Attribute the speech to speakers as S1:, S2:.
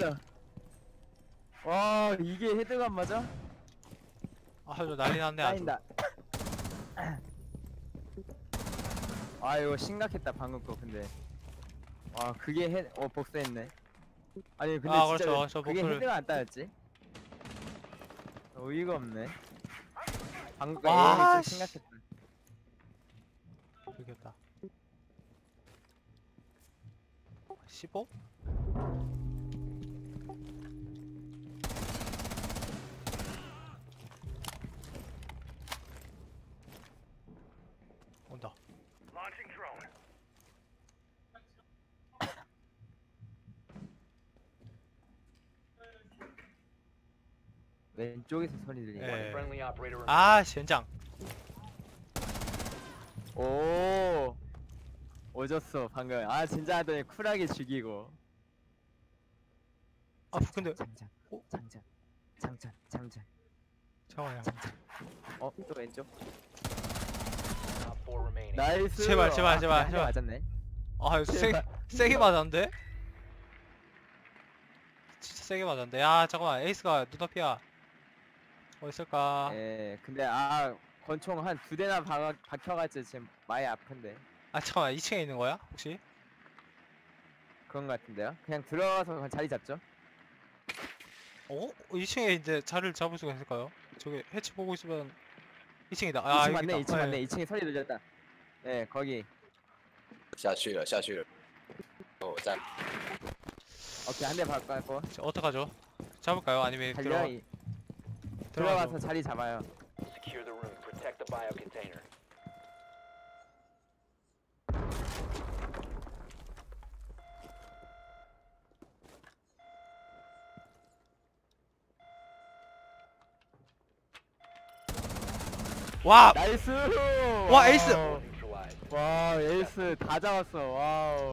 S1: 진짜. 와 이게 헤드가 안 맞아?
S2: 아주 난리 났네 아주.
S1: 쌓인다. 아 이거 심각했다 방금 거 근데. 와 그게 복수했네. 아니 근데
S2: 아,
S1: 진짜
S2: 그렇죠. 저
S1: 그게
S2: 복수를-
S1: 헤드가 안 따였지? 어이가 없네. 방금 거
S2: 와,
S1: 에임이 좀
S2: 씨.
S1: 심각했다.
S2: 이겼다. 15? 온다.
S1: 왼쪽에서 소리 들리네.
S2: 예.
S3: Friendly operator remaining.
S2: 아, 젠장.
S1: 오 오졌어 방금. 아 진짜 하더니 쿨하게 죽이고.
S2: 아, 근데
S1: 장전
S2: 어?
S1: 장전 장전 장전.
S2: 잠깐만요.
S1: 또 왼쪽.
S3: Op 4 remaining.
S1: 나이스.
S2: 제발, 제발,
S1: 아,
S2: 제발,
S1: 그냥
S2: 제발.
S1: 맞았네.
S2: 아, 이거
S1: 제발.
S2: 세게 맞았는데? 진짜 세게 맞았는데. 야, 잠깐만. 에이스가 눈앞이야. 어디 있을까?
S1: 예 근데 권총 한 2대나 박혀가지고 지금 많이 아픈데.
S2: 아, 잠깐만. 2층에 있는 거야? 혹시?
S1: 그런 것 같은데요? 그냥 들어가서 그냥 자리 잡죠.
S2: 어? 2층에 이제 자리를 잡을 수가 있을까요? 저기 해치 보고 있으면 2층이다. 아,
S1: 2층
S2: 여기
S1: 맞네.
S2: 있다.
S1: 2층
S2: 예.
S1: 맞네. 2층에 소리 들렸다. 예 거기.
S4: 下去了，下去了。我在。
S1: 오케이 한 대 박고
S2: 자, 어떡하죠? 잡을까요? 아니면
S1: 달려. 들어가서 자리 잡아요.
S3: Secure the room. Protect the bio container.
S2: 와!
S1: 나이스.
S2: 와, 에이스!
S3: Neutralized.
S1: 와 에이스 다 잡았어. 와우.